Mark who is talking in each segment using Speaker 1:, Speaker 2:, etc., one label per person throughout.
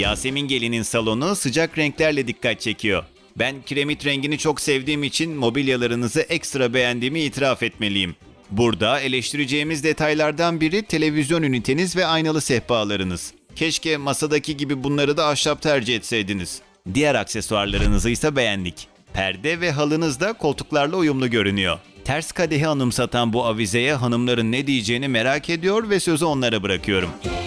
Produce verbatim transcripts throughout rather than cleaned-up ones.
Speaker 1: Yasemin Gelin'in salonu sıcak renklerle dikkat çekiyor. Ben kiremit rengini çok sevdiğim için mobilyalarınızı ekstra beğendiğimi itiraf etmeliyim. Burada eleştireceğimiz detaylardan biri televizyon üniteniz ve aynalı sehpalarınız. Keşke masadaki gibi bunları da ahşap tercih etseydiniz. Diğer aksesuarlarınızı ise beğendik. Perde ve halınız da koltuklarla uyumlu görünüyor. Ters kadehi anımsatan bu avizeye hanımların ne diyeceğini merak ediyor ve sözü onlara bırakıyorum.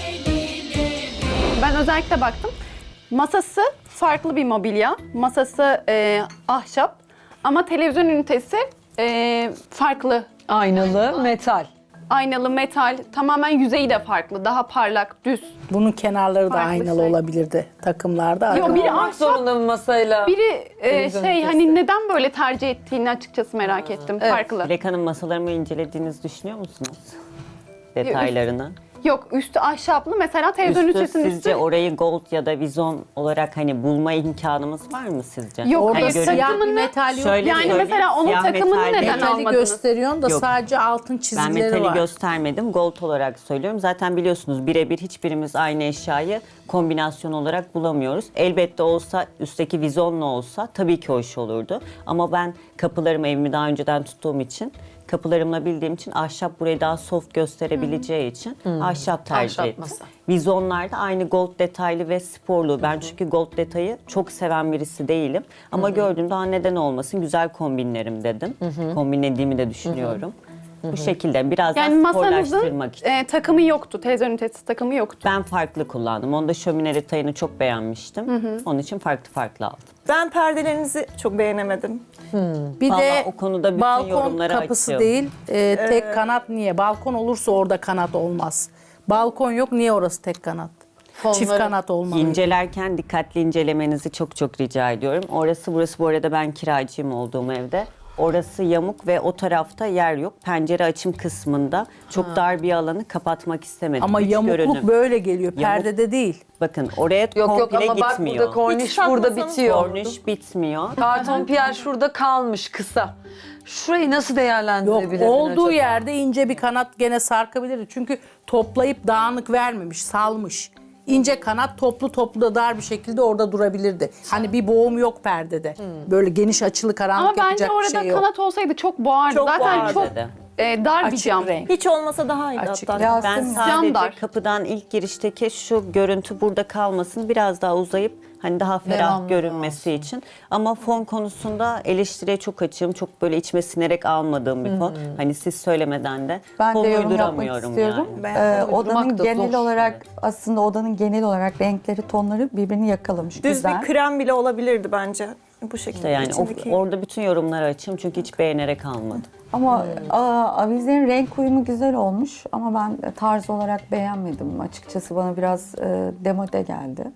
Speaker 2: Ben özellikle baktım. Masası farklı bir mobilya. Masası e, ahşap ama televizyon ünitesi e, farklı.
Speaker 3: Aynalı, metal.
Speaker 2: Aynalı, metal, tamamen yüzeyi de farklı. Daha parlak, düz.
Speaker 4: Bunun kenarları da
Speaker 2: Farklı
Speaker 4: aynalı
Speaker 2: şey.
Speaker 4: olabilirdi takımlarda.
Speaker 2: Yok,
Speaker 4: Arka-
Speaker 2: biri
Speaker 3: Olmak
Speaker 2: ahşap,
Speaker 3: zorunda mı masayla?
Speaker 2: biri e,
Speaker 3: Televizyon
Speaker 2: şey
Speaker 3: ünitesi.
Speaker 2: hani neden böyle tercih ettiğini açıkçası merak ettim.
Speaker 3: Evet.
Speaker 2: Farklı.
Speaker 5: Dilek Hanım, masalarımı incelediğinizi düşünüyor musunuz? Detaylarını.
Speaker 2: Yok, üstü ahşaplı. Mesela televizyon
Speaker 5: Üstü
Speaker 2: ünitesinin
Speaker 5: sizce
Speaker 2: üstü.
Speaker 5: orayı gold ya da vizon olarak hani bulma imkanımız var mı sizce?
Speaker 2: Yok,
Speaker 4: Orada
Speaker 2: hani
Speaker 4: siyah bir
Speaker 2: takımını-
Speaker 4: metal yok.
Speaker 5: Şöyle
Speaker 2: Yani
Speaker 5: söyleyeyim,
Speaker 2: mesela onun
Speaker 5: siyah
Speaker 2: takımını
Speaker 5: metal
Speaker 2: neden
Speaker 5: değil.
Speaker 4: Metali
Speaker 2: almadınız?
Speaker 4: gösteriyorsun da
Speaker 5: Yok.
Speaker 4: sadece altın
Speaker 5: Ben
Speaker 4: çizgileri
Speaker 5: metali
Speaker 4: var.
Speaker 5: göstermedim. Gold olarak söylüyorum. Zaten biliyorsunuz birebir hiçbirimiz aynı eşyayı kombinasyon olarak bulamıyoruz. Elbette olsa, üstteki vizonla olsa tabii ki hoş olurdu. Ama ben kapılarımı, evimi daha önceden tuttuğum için, kapılarımla bildiğim için ahşap burayı daha soft gösterebileceği için ahşap tercih
Speaker 3: Ahşap
Speaker 5: ettim.
Speaker 3: masa.
Speaker 5: Vizonlar da aynı gold detaylı ve sporlu. Ben çünkü gold detayı çok seven birisi değilim. Ama gördüğümde "Aa, neden olmasın, güzel kombinlerim" dedim. Kombinlediğimi de düşünüyorum. Bu şekilde biraz
Speaker 2: Yani
Speaker 5: daha
Speaker 2: masanızın
Speaker 5: sporlaştırmak için.
Speaker 2: e, takımı yoktu. Televizyon ünitesi takımı yoktu.
Speaker 5: Ben farklı kullandım. Onda şömine detayını çok beğenmiştim. Onun için farklı farklı aldım.
Speaker 6: Ben perdelerinizi çok beğenemedim.
Speaker 4: Bir
Speaker 5: Vallahi
Speaker 4: de
Speaker 5: o konuda bütün
Speaker 4: balkon
Speaker 5: yorumları
Speaker 4: kapısı
Speaker 5: açığım.
Speaker 4: değil, e, tek kanat niye? Balkon olursa orada kanat olmaz. Balkon yok, niye orası tek kanat? Çift
Speaker 3: Fonları-
Speaker 4: kanat olmalı.
Speaker 5: İncelerken dikkatli incelemenizi çok çok rica ediyorum. Orası burası, bu arada ben kiracıyım olduğum evde. Orası yamuk ve o tarafta yer yok. Pencere açım kısmında çok dar bir alanı kapatmak istemedim.
Speaker 4: Ama
Speaker 5: Üç
Speaker 4: yamukluk
Speaker 5: görünüm.
Speaker 4: böyle geliyor, perdede değil.
Speaker 5: Bakın oraya
Speaker 3: Yok yok
Speaker 5: komple
Speaker 3: ama bak
Speaker 5: gitmiyor.
Speaker 3: burada korniş
Speaker 6: Hiç
Speaker 3: burada
Speaker 6: takmasanız
Speaker 3: bitiyor.
Speaker 5: Korniş bitmiyor.
Speaker 3: Karton piyer şurada kalmış kısa. Şurayı nasıl
Speaker 4: Yok,
Speaker 3: değerlendirebilirdin
Speaker 4: olduğu
Speaker 3: acaba?
Speaker 4: yerde ince bir kanat gene sarkabilirdi. Çünkü toplayıp dağınık vermemiş, salmış. İnce kanat toplu toplu da dar bir şekilde orada durabilirdi. Hani bir boğum yok perdede. Böyle geniş açılı karanlık
Speaker 2: Ama bence
Speaker 4: yapacak bir
Speaker 2: orada
Speaker 4: şey yok.
Speaker 2: kanat olsaydı çok boğardı.
Speaker 6: Çok
Speaker 2: Zaten
Speaker 6: boğardı.
Speaker 2: çok e, dar bir
Speaker 4: Açık
Speaker 2: cam.
Speaker 4: renk.
Speaker 6: Hiç olmasa daha iyiydi
Speaker 4: Açık.
Speaker 6: hatta.
Speaker 4: Ya-
Speaker 5: Ben
Speaker 4: Cam
Speaker 5: sadece
Speaker 2: dar.
Speaker 5: kapıdan ilk girişteki şu görüntü burada kalmasın, biraz daha uzayıp hani daha ferah
Speaker 3: Devamlı
Speaker 5: görünmesi için. Ama fon konusunda eleştiriye çok açığım. Çok böyle içime sinerek almadığım bir fon. Hani siz söylemeden de
Speaker 7: Ben
Speaker 5: fon
Speaker 7: de yorum yapmak
Speaker 5: uyduramıyorum
Speaker 7: istiyorum.
Speaker 5: yani.
Speaker 7: Ee,
Speaker 3: Uydurmak
Speaker 7: odanın
Speaker 3: da
Speaker 7: genel
Speaker 3: zor.
Speaker 7: olarak aslında odanın genel olarak renkleri, tonları birbirini yakalamış.
Speaker 6: Düz
Speaker 7: Güzel.
Speaker 6: bir krem bile olabilirdi bence. Bu şekilde.
Speaker 5: İşte yani o-
Speaker 6: içindeki-
Speaker 5: orada bütün yorumları açığım çünkü hiç beğenerek almadım.
Speaker 7: Ama aa, avizenin renk uyumu güzel olmuş ama ben tarz olarak beğenmedim. Açıkçası bana biraz e, demode geldi.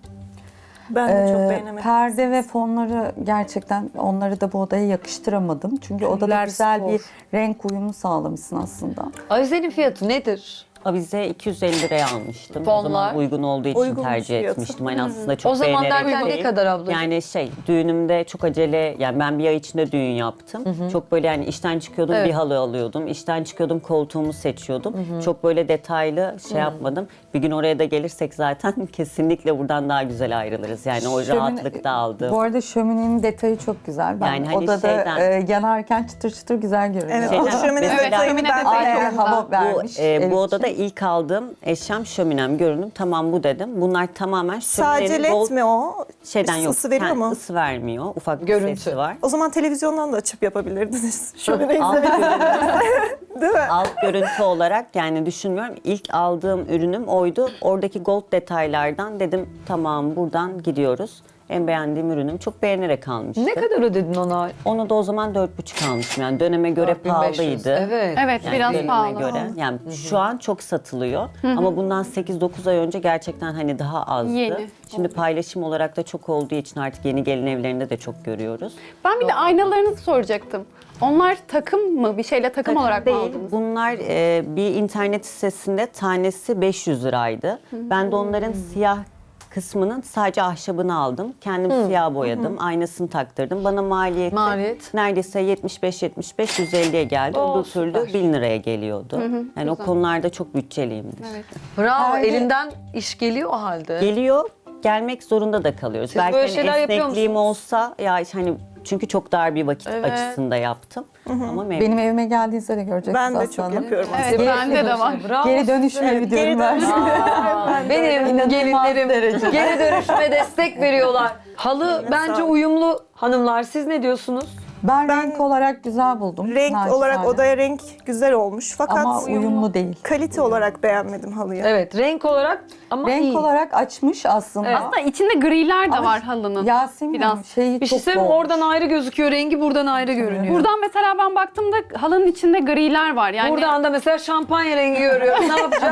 Speaker 6: Ben de çok
Speaker 7: Ee,
Speaker 6: beğenemedim.
Speaker 7: Perde ve fonları gerçekten onları da bu odaya yakıştıramadım. Çünkü odada
Speaker 4: Tüller
Speaker 7: güzel
Speaker 4: spor.
Speaker 7: bir renk uyumu sağlamışsın aslında.
Speaker 3: Avizenin fiyatı nedir?
Speaker 5: Avize iki yüz elli liraya almıştım. O
Speaker 3: Fonlar?
Speaker 5: zaman uygun olduğu için
Speaker 6: Uygunmuş
Speaker 5: tercih
Speaker 6: fiyatı.
Speaker 5: etmiştim. Hani aslında çok
Speaker 3: O zaman
Speaker 5: beğenerek
Speaker 3: derken ne
Speaker 5: değil.
Speaker 3: kadar ablacığım?
Speaker 5: Yani şey, düğünümde çok acele, yani ben bir ay içinde düğün yaptım. Çok böyle yani işten çıkıyordum,
Speaker 3: Evet.
Speaker 5: bir halı alıyordum. İşten çıkıyordum, koltuğumu seçiyordum. Çok böyle detaylı şey yapmadım. Bir gün oraya da gelirsek zaten kesinlikle buradan daha güzel ayrılırız. Yani o
Speaker 7: Şömine-
Speaker 5: rahatlıkta aldım.
Speaker 7: Bu arada şöminenin detayı çok güzel. Ben
Speaker 5: Yani hani
Speaker 7: odada
Speaker 5: şeyden-
Speaker 7: e, yanarken çıtır çıtır güzel görünüyor.
Speaker 6: Evet,
Speaker 5: Şeyden-
Speaker 6: o şömine
Speaker 5: Evet,
Speaker 6: detayını
Speaker 2: şömine
Speaker 6: ben
Speaker 2: detayı
Speaker 6: de
Speaker 7: Ayrı
Speaker 2: çok
Speaker 7: hava
Speaker 5: Bu,
Speaker 7: vermiş.
Speaker 5: e,
Speaker 7: ev
Speaker 5: bu odada
Speaker 7: için.
Speaker 5: ilk aldığım eşyam şöminem, görünüm. Tamam bu dedim. Bunlar tamamen
Speaker 6: Sadece
Speaker 5: şöminenin bol
Speaker 6: led mi o?
Speaker 5: şeyden yok.
Speaker 6: Isı veriyor
Speaker 5: Ha,
Speaker 6: mu?
Speaker 5: ısı vermiyor. Ufak bir
Speaker 3: Görüntü.
Speaker 5: sesi var.
Speaker 6: O zaman televizyondan da açıp yapabilirdiniz. Şöyle
Speaker 5: Alt, görüntü,
Speaker 6: değil mi?
Speaker 5: alt görüntü olarak yani düşünmüyorum. İlk aldığım ürünüm oydu. Oradaki gold detaylardan dedim tamam buradan gidiyoruz. En beğendiğim ürünüm. Çok beğenerek almıştım.
Speaker 3: Ne kadar ödedin ona?
Speaker 5: Onu da o zaman dört buçuk almışım. Yani döneme göre
Speaker 3: dört bin beş yüz.
Speaker 5: pahalıydı.
Speaker 3: Evet.
Speaker 2: Evet,
Speaker 5: Yani
Speaker 2: biraz
Speaker 5: döneme
Speaker 2: pahalı.
Speaker 5: göre. Yani şu an çok satılıyor. Ama bundan sekiz dokuz ay önce gerçekten hani daha azdı.
Speaker 2: Yeni.
Speaker 5: Şimdi paylaşım olarak da çok olduğu için artık yeni gelin evlerinde de çok görüyoruz.
Speaker 2: Ben bir de aynalarınızı soracaktım. Onlar takım mı? Bir şeyle takım, olarak mı
Speaker 5: değil.
Speaker 2: aldınız?
Speaker 5: Bunlar e, bir internet sitesinde tanesi beş yüz liraydı. Ben de onların siyah kısmının sadece ahşabını aldım. Kendim siyah boyadım. Aynasını taktırdım. Bana maliyeti
Speaker 3: Maliyet?
Speaker 5: neredeyse yetmiş beş yetmiş beş yüz elliye geldi.
Speaker 3: Oo,
Speaker 5: Öbür türlü
Speaker 3: süper.
Speaker 5: bin liraya geliyordu. Yani o konularda çok bütçeliyimdir.
Speaker 2: Evet.
Speaker 3: Bravo,
Speaker 7: Perde-
Speaker 3: elinden iş geliyor o halde.
Speaker 5: Geliyor. gelmek zorunda da kalıyoruz.
Speaker 3: Siz
Speaker 5: Belki
Speaker 3: böyle
Speaker 5: hani
Speaker 3: şeyler yapıyor
Speaker 5: esnekliğim
Speaker 3: musunuz?
Speaker 5: olsa ya hani çünkü çok dar bir vakit
Speaker 3: Evet.
Speaker 5: açısında yaptım. Ama memnun.
Speaker 7: Benim evime geldiğinizde de göreceksiniz
Speaker 6: Ben de
Speaker 7: Aslı
Speaker 6: çok
Speaker 7: Hanım.
Speaker 6: yapıyorum.
Speaker 2: Evet, bende de var.
Speaker 3: Bravo.
Speaker 7: Geri dönüşme
Speaker 6: Evet,
Speaker 7: videomu
Speaker 6: geri
Speaker 7: ben.
Speaker 6: dönüşüm.
Speaker 3: Benim gelinlerim geri dönüşüme destek veriyorlar. Halı
Speaker 6: Eline
Speaker 3: bence
Speaker 6: sağlık.
Speaker 3: uyumlu hanımlar. Siz ne diyorsunuz?
Speaker 7: Ben,
Speaker 6: Ben
Speaker 7: renk olarak güzel buldum.
Speaker 6: Renk
Speaker 7: naçizane.
Speaker 6: olarak odaya renk güzel olmuş. Fakat
Speaker 7: Ama uyumlu değil.
Speaker 6: kalite olarak beğenmedim halıyı.
Speaker 3: Evet, renk olarak ama
Speaker 7: Renk
Speaker 3: iyi.
Speaker 7: olarak açmış aslında.
Speaker 3: Evet.
Speaker 2: Aslında içinde griler de
Speaker 7: Ama
Speaker 2: var halının.
Speaker 7: Yasemin
Speaker 2: Biraz.
Speaker 7: Hanım şeyi
Speaker 3: bir şey
Speaker 7: çok
Speaker 3: söyleyeyim mi?
Speaker 7: bol.
Speaker 3: Oradan ayrı gözüküyor, rengi buradan ayrı görünüyor.
Speaker 2: Buradan mesela ben baktığımda halının içinde griler var. Yani
Speaker 3: Buradan da mesela şampanya rengi görüyorum. Ne yapacağız?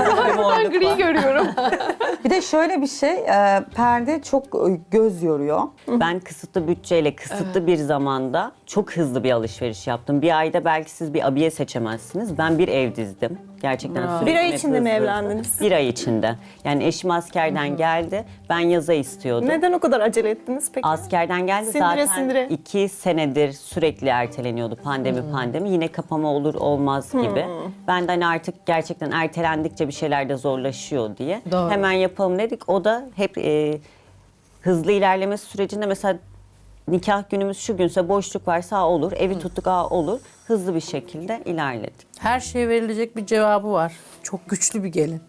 Speaker 2: ben gri görüyorum.
Speaker 7: Bir de şöyle bir şey, e, perde çok e, göz yoruyor.
Speaker 5: Ben kısıtlı bütçeyle, kısıtlı bir zamanda çok hızlı bir alışveriş yaptım. Bir ayda belki siz bir abiye seçemezsiniz. Ben bir ev dizdim. Gerçekten sürekli
Speaker 6: Bir ay
Speaker 5: hep
Speaker 6: içinde mi
Speaker 5: hızlı hızlı.
Speaker 6: evlendiniz?
Speaker 5: Bir ay içinde. Yani eşim askerden geldi. Ben yaza istiyordum.
Speaker 6: Neden o kadar acele ettiniz peki?
Speaker 5: Askerden geldi
Speaker 6: Sindire
Speaker 5: zaten
Speaker 6: sindire.
Speaker 5: iki senedir sürekli erteleniyordu pandemi pandemi. Yine kapama olur olmaz gibi. Ben de hani artık gerçekten ertelendikçe bir şeyler de zorlaşıyor diye.
Speaker 3: Doğru.
Speaker 5: Hemen yapalım dedik. O da hep e, hızlı ilerlemesi sürecinde mesela nikah günümüz şu günse boşluk varsa aa, olur. Evi tuttuk aa, olur. Hızlı bir şekilde ilerledik.
Speaker 4: Her şeye verilecek bir cevabı var. Çok güçlü bir gelin.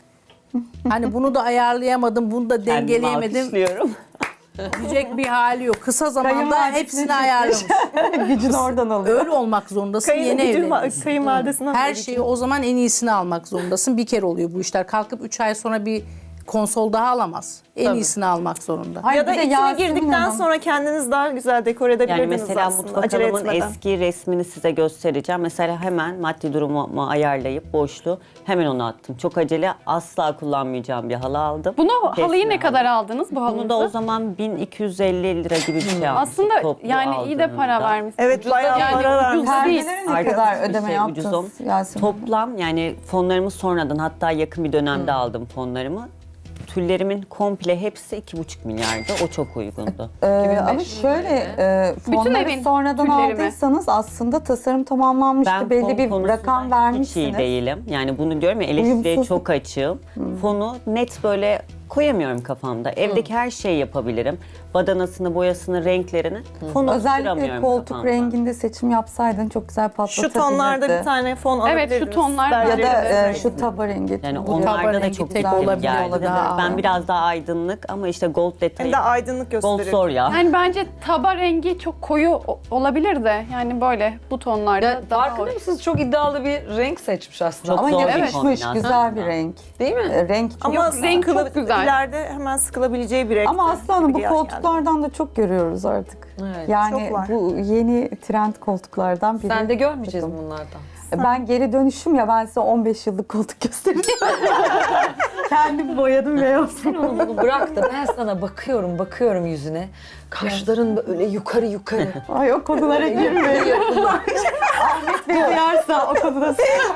Speaker 4: Hani bunu da ayarlayamadım, bunu da
Speaker 5: Kendimi
Speaker 4: dengeleyemedim
Speaker 5: alkışlıyorum.
Speaker 4: diyecek bir hali yok. Kısa zamanda
Speaker 7: Kayınvalidesine
Speaker 4: hepsini
Speaker 7: çekmiş.
Speaker 4: ayarlamış.
Speaker 7: Gücünü oradan alıyor.
Speaker 4: Öyle olmak zorundasın,
Speaker 6: Kayın,
Speaker 4: yeni
Speaker 6: gücün
Speaker 4: evleniyorsun.
Speaker 6: var, kayınvalidesinden
Speaker 4: Her
Speaker 6: beri
Speaker 4: şeyi o zaman en iyisini almak zorundasın. Bir kere oluyor bu işler. Kalkıp üç ay sonra bir konsol daha alamaz. En iyisini almak zorunda.
Speaker 7: Hayır,
Speaker 6: Ya da
Speaker 7: bir de
Speaker 6: içine
Speaker 7: Yasemin
Speaker 6: girdikten
Speaker 7: Hanım,
Speaker 6: sonra kendiniz daha güzel dekor
Speaker 5: Yani
Speaker 6: edebilirdiniz
Speaker 5: mesela
Speaker 6: aslında.
Speaker 5: mutfak
Speaker 6: Acele
Speaker 5: hanımın
Speaker 6: etmeden.
Speaker 5: eski resmini size göstereceğim. Mesela hemen maddi durumu ayarlayıp boşluğu hemen onu attım. Çok acele asla kullanmayacağım bir halı aldım.
Speaker 2: Bunu
Speaker 5: Kesme
Speaker 2: halıyı ne
Speaker 5: aldım.
Speaker 2: kadar aldınız bu
Speaker 5: Bunu
Speaker 2: halınızı?
Speaker 5: da o zaman bin iki yüz elli lira gibi bir şey almıştım.
Speaker 2: Aslında
Speaker 5: toplu
Speaker 2: yani iyi de para
Speaker 5: aldığımda.
Speaker 2: vermişsiniz.
Speaker 6: Evet,
Speaker 2: Ucuz da-
Speaker 6: bayağı
Speaker 2: yani
Speaker 6: para
Speaker 2: ucuz
Speaker 6: vermiş.
Speaker 2: da değil.
Speaker 7: perdeleri ne
Speaker 5: Arkadaş
Speaker 7: kadar
Speaker 5: bir
Speaker 7: ödeme
Speaker 5: şey,
Speaker 7: yaptınız
Speaker 5: ucuzum.
Speaker 7: Yasemin Hanım?
Speaker 5: Toplam yani fonlarımı sonradan hatta yakın bir dönemde aldım fonlarımı. Tüllerimin komple hepsi iki buçuk milyardı. O çok uygundu.
Speaker 7: Ee, ama şöyle e, fonları
Speaker 2: evin
Speaker 7: sonradan
Speaker 2: tülleri mi?
Speaker 7: aldıysanız aslında tasarım tamamlanmıştı.
Speaker 5: Ben
Speaker 7: Belli
Speaker 5: fon
Speaker 7: bir
Speaker 5: konusunda
Speaker 7: rakam
Speaker 5: hiç iyi
Speaker 7: vermişsiniz.
Speaker 5: değilim. Yani bunu diyorum ya eleştiriye
Speaker 7: Uyumsuzluk.
Speaker 5: çok açığım. Fonu net böyle koyamıyorum kafamda. Evdeki her şeyi yapabilirim. Badanasını, boyasını, renklerini. Fonu
Speaker 7: Özellikle
Speaker 5: tutturamıyorum
Speaker 7: koltuk
Speaker 5: kafamda.
Speaker 7: renginde seçim yapsaydın çok güzel
Speaker 6: Şu
Speaker 7: patlatabilirdi.
Speaker 6: tonlarda bir tane fon alabilirdiniz.
Speaker 2: Evet, şu tonlar
Speaker 6: Bence
Speaker 7: Ya
Speaker 6: de.
Speaker 7: da e,
Speaker 6: Evet.
Speaker 7: şu taba rengi.
Speaker 5: Yani
Speaker 7: Bu
Speaker 5: onlarda da
Speaker 4: rengi
Speaker 5: çok
Speaker 4: tek
Speaker 5: güzel
Speaker 4: olabilir,
Speaker 5: geldi.
Speaker 4: o da daha
Speaker 5: Ben
Speaker 4: ağır.
Speaker 5: biraz daha aydınlık ama işte gold
Speaker 6: Hem
Speaker 5: detayı.
Speaker 6: de aydınlık
Speaker 5: Gold
Speaker 6: gösterir.
Speaker 5: zor ya.
Speaker 2: Yani bence taba rengi çok koyu o- olabilir de yani böyle bu tonlarda
Speaker 3: Ya,
Speaker 2: daha
Speaker 3: farkında
Speaker 2: hoş.
Speaker 3: mısınız? Çok iddialı bir renk seçmiş aslında.
Speaker 5: Çok
Speaker 7: Ama
Speaker 5: zor bir
Speaker 7: yakışmış,
Speaker 5: kombinasyon.
Speaker 7: güzel bir renk.
Speaker 3: Değil mi?
Speaker 7: E, renk çok
Speaker 6: Ama
Speaker 2: renk çok
Speaker 6: sıkıla-
Speaker 2: güzel.
Speaker 6: ileride hemen sıkılabileceği bir renk.
Speaker 7: Ama aslanım bu
Speaker 6: gibi geldi.
Speaker 7: koltuklardan da çok görüyoruz artık.
Speaker 3: Evet,
Speaker 7: Yani
Speaker 6: çok var.
Speaker 7: bu yeni trend koltuklardan biri.
Speaker 3: Sen de görmeyeceğiz bunlardan.
Speaker 7: Ben geri dönüşüm ya, ben size on beş yıllık koltuk göstereyim. Kendim boyadım ve yaptım.
Speaker 3: Sen onu bunu bırak da ben sana bakıyorum, bakıyorum yüzüne. Kaşların böyle yukarı yukarı.
Speaker 7: Ay o konulara girmeyin. Ahmet Bey duyarsa o konuda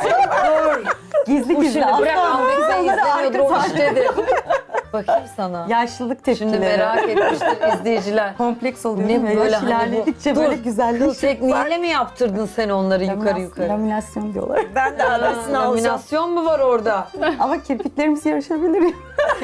Speaker 7: gizli
Speaker 3: Bu
Speaker 7: gizli.
Speaker 3: şimdi bırak
Speaker 7: asla
Speaker 3: Ahmet Bey
Speaker 7: onları
Speaker 3: izlemiyordur o
Speaker 7: arka-
Speaker 3: iştedir. Bakayım sana.
Speaker 7: Yaşlılık tepkileri.
Speaker 3: Şimdi merak etmiştir izleyiciler.
Speaker 7: Kompleks oluyor
Speaker 3: Ne
Speaker 7: ve
Speaker 3: böyle
Speaker 7: yaş
Speaker 3: hani bu-
Speaker 7: ilerledikçe böyle
Speaker 3: Dur,
Speaker 7: güzelleşiyor.
Speaker 3: Kıl tekniğiyle mi yaptırdın sen onları yukarı yukarı?
Speaker 7: Laminasyon diyorlar.
Speaker 6: Ben de adresini alacağım.
Speaker 3: Laminasyon mu var orada?
Speaker 7: Ama kirpiklerimiz yarışabilir.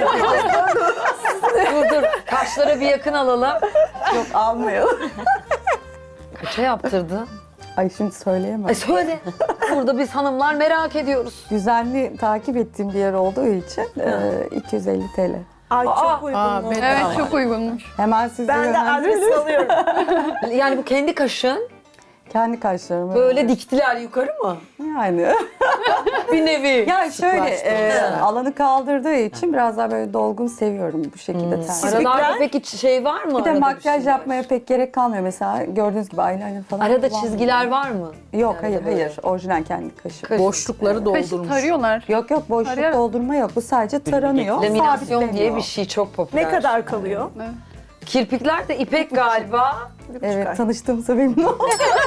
Speaker 3: dur dur, kaşlara bir yakın alalım.
Speaker 7: Yok almayalım.
Speaker 3: Kaça yaptırdın?
Speaker 7: Ay şimdi söyleyemem.
Speaker 3: Ay söyle. Burada biz hanımlar merak ediyoruz.
Speaker 7: Düzenli takip ettiğim bir yer olduğu için e, iki yüz elli TL.
Speaker 6: Ay
Speaker 3: Aa,
Speaker 6: çok uygun
Speaker 4: aa,
Speaker 6: mu?
Speaker 4: ben-
Speaker 2: Evet
Speaker 4: Tamam.
Speaker 2: çok uygunmuş.
Speaker 7: Hemen size
Speaker 6: Ben de
Speaker 7: yönlendireyim.
Speaker 6: adresi alıyorum.
Speaker 3: Yani bu kendi kaşın
Speaker 7: Kendi kaşlarımı.
Speaker 3: böyle diktiler yukarı mı?
Speaker 7: Yani.
Speaker 3: Bir nevi.
Speaker 7: Ya şöyle
Speaker 3: Sıklaştı.
Speaker 7: e,
Speaker 3: Ha.
Speaker 7: alanı kaldırdığı için biraz daha böyle dolgun seviyorum bu şekilde.
Speaker 3: Hmm.
Speaker 7: tercih.
Speaker 3: Aralarda peki şey var mı?
Speaker 7: Bir de
Speaker 3: Arada
Speaker 7: makyaj
Speaker 3: şeyler?
Speaker 7: yapmaya pek gerek kalmıyor. Mesela gördüğünüz gibi eyeliner falan.
Speaker 3: Arada
Speaker 7: kullanmıyorum.
Speaker 3: çizgiler var mı?
Speaker 7: Yok
Speaker 3: Yani
Speaker 7: hayır
Speaker 3: böyle.
Speaker 7: hayır. Orijinal kendi kaşı.
Speaker 3: Kaş-
Speaker 4: Boşlukları
Speaker 2: Kaşı
Speaker 4: doldurmuş.
Speaker 2: tarıyorlar.
Speaker 7: Yok yok boşluk
Speaker 2: Tarayarak-
Speaker 7: doldurma yok. Bu sadece taranıyor.
Speaker 3: Laminasyon diye
Speaker 7: sabitleniyor.
Speaker 3: bir şey çok popüler.
Speaker 6: Ne kadar kalıyor?
Speaker 3: Kirpikler de ipek galiba.
Speaker 6: Bir buçuk ay.
Speaker 7: Evet tanıştığımıza memnun oldum.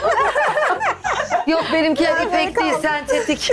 Speaker 3: Yok benimkiler ipek değil, sentetik.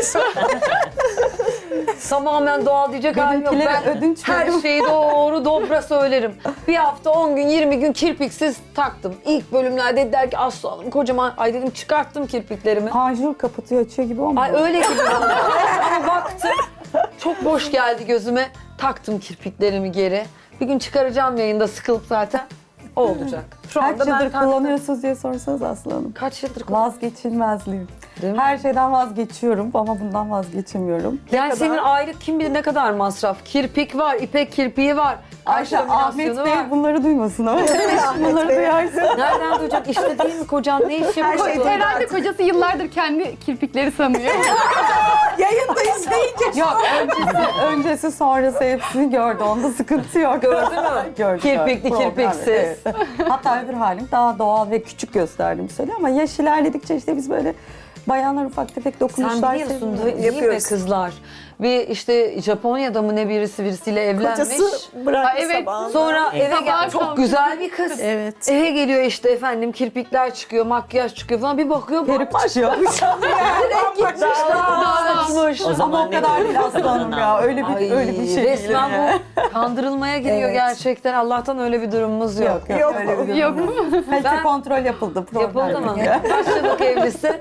Speaker 3: Tamamen doğal diyecek halim yok.
Speaker 7: Benimkilere
Speaker 3: Ben
Speaker 7: ödünç
Speaker 3: her
Speaker 7: veriyorum.
Speaker 3: şeyi doğru dobra söylerim. Bir hafta on gün yirmi gün kirpiksiz taktım. İlk bölümlerde dediler ki Aslı Hanım kocaman. Ay dedim çıkarttım kirpiklerimi.
Speaker 7: Panjur kapatıyor açıyor gibi olmuyor.
Speaker 3: Ay öyle gibi oldu. Ama baktım çok boş geldi gözüme. Taktım kirpiklerimi geri. Bir gün çıkaracağım yayında sıkılıp zaten. O olacak. Şu
Speaker 7: Kaç
Speaker 3: anda ben
Speaker 7: yıldır
Speaker 3: taktım.
Speaker 7: kullanıyorsunuz diye sorsanız Aslı Hanım.
Speaker 3: Kaç yıldır kullanıyorsun?
Speaker 7: Vazgeçilmezliğim.
Speaker 3: Değil mi?
Speaker 7: Her şeyden vazgeçiyorum ama bundan vazgeçemiyorum.
Speaker 3: Yani senin aylık kim bilir ne kadar masraf. Kirpik var, ipek kirpiği var.
Speaker 7: Ayşe,
Speaker 3: kaş
Speaker 7: Ahmet
Speaker 3: laminasyonu
Speaker 7: Bey
Speaker 3: var.
Speaker 7: bunları duymasın ama bunları duyarsa.
Speaker 3: Nereden duyacak? İşte değil mi kocan? Ne iş yapıyor?
Speaker 6: şey
Speaker 2: Herhalde kocası yıllardır kendi kirpikleri sanıyor.
Speaker 4: Yayında izleyince.
Speaker 7: Yok öncesi, öncesi sonrası hepsini gördü. Onda sıkıntı yok.
Speaker 3: Gördü mü?
Speaker 7: Gördü.
Speaker 3: Kirpikli,
Speaker 7: Problem,
Speaker 3: kirpiksiz.
Speaker 7: evet. Hatta öbür halim daha doğal ve küçük gösterdiğimi söylüyor ama yaş ilerledikçe işte biz böyle bayanlar ufak tefek
Speaker 3: Sen
Speaker 7: dokunuşlar
Speaker 3: biliyorsun
Speaker 7: seviyoruz.
Speaker 3: değil mi
Speaker 6: Yapıyoruz.
Speaker 3: kızlar? Bir işte Japonya'da mı ne birisi birisiyle evlenmiş.
Speaker 6: Kocası bıraktı
Speaker 2: Ha, evet.
Speaker 6: sabahında.
Speaker 3: Sonra eve
Speaker 2: Sabah
Speaker 3: gel çok
Speaker 2: kalkıyor.
Speaker 3: güzel bir kız.
Speaker 4: Evet.
Speaker 3: Eve geliyor işte efendim kirpikler çıkıyor, makyaj çıkıyor falan bir bakıyor
Speaker 7: Peruk
Speaker 3: bambaşka.
Speaker 7: çıkıyor.
Speaker 3: Direkt gitmiş dağılmış.
Speaker 5: O zaman
Speaker 7: Ama o kadar değil Aslı Hanım ya. Öyle bir,
Speaker 3: Ay,
Speaker 7: öyle bir şey değil.
Speaker 3: resmen
Speaker 7: yani.
Speaker 3: bu kandırılmaya giriyor
Speaker 7: Evet.
Speaker 3: gerçekten. Allah'tan öyle bir durumumuz yok.
Speaker 7: Yok yok,
Speaker 6: Yok.
Speaker 7: öyle bir durum
Speaker 2: Yok mu?
Speaker 7: Kalite
Speaker 3: Ben-
Speaker 7: kontrol yapıldı. Problem
Speaker 3: Yapıldı mı?
Speaker 7: yok.
Speaker 3: Kaç yıllık evlisin?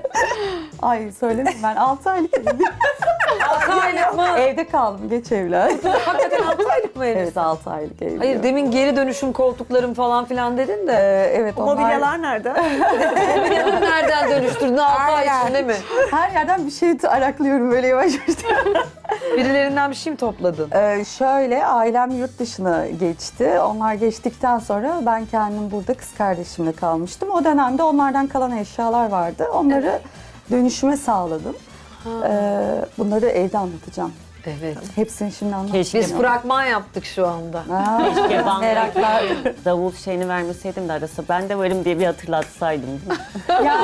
Speaker 7: Ay söyledim ben altı aylık evliyim.
Speaker 3: altı aylık mı?
Speaker 7: Evde kaldım geç evlen.
Speaker 3: Hakikaten altı aylık mı evlisin?
Speaker 7: Evet altı aylık evliyim.
Speaker 3: Hayır demin geri dönüşüm koltuklarım falan filan dedin de.
Speaker 7: Ee, evet
Speaker 6: O
Speaker 7: onlar
Speaker 6: mobilyalar nerede?
Speaker 3: Mobilyanı nereden dönüştürdün? altı ay
Speaker 4: Aynen.
Speaker 3: içinde mi?
Speaker 7: her yerden bir şey araklıyorum böyle yavaş yavaş.
Speaker 3: Birilerinden bir şey mi topladın?
Speaker 7: Ee, şöyle ailem yurt dışına geçti. Onlar geçtikten sonra ben kendim burada kız kardeşimle kalmıştım. O dönemde onlardan kalan eşyalar vardı. Onları dönüşüme sağladım. Ee, bunları evde anlatacağım.
Speaker 3: Evet.
Speaker 7: Hepsini şimdi anlatacağım.
Speaker 5: Keşke
Speaker 3: Biz fragman yaptık şu anda.
Speaker 7: Aa,
Speaker 5: Keşke bana
Speaker 7: meraklar.
Speaker 5: davul şeyini vermeseydim de arası ben de varım diye bir hatırlatsaydım. Değil mi?
Speaker 7: Ya,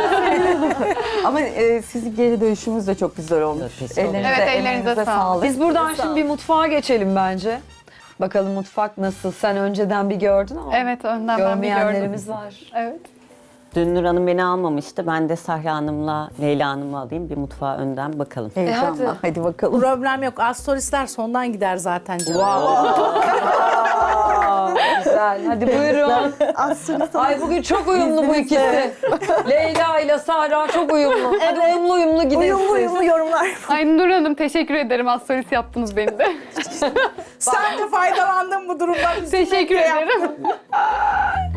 Speaker 7: ama e, sizin geri dönüşümüz de çok güzel olmuş.
Speaker 5: Teşekkür ederim.
Speaker 7: Ellerinize,
Speaker 2: Evet, ellerinize
Speaker 7: emeğinize
Speaker 2: sağlık.
Speaker 7: sağlık.
Speaker 3: Biz buradan şimdi bir mutfağa geçelim bence. Bakalım mutfak nasıl? Sen önceden bir gördün ama
Speaker 2: Evet, önden ben bir gördüm.
Speaker 3: görmeyenlerimiz var.
Speaker 2: Evet.
Speaker 5: Dün Nur Hanım beni almamıştı. Ben de Sahra Hanım'la Leyla Hanım'ı alayım. Bir mutfağa önden bakalım.
Speaker 7: Heyecanla.
Speaker 3: hadi.
Speaker 7: hadi. bakalım.
Speaker 4: Problem yok. Astrolistler sondan gider zaten canım.
Speaker 3: Güzel. Hadi buyurun. Ay bugün çok uyumlu bu ikisi. Leyla ile Sahra çok uyumlu. Hadi uyumlu uyumlu gidin
Speaker 6: Uyumlu
Speaker 3: siz.
Speaker 6: uyumlu yorumlar.
Speaker 2: Ay Nur Hanım teşekkür ederim. Astrolist yaptınız beni de.
Speaker 4: Sen de faydalandın bu durumdan.
Speaker 2: Teşekkür ederim.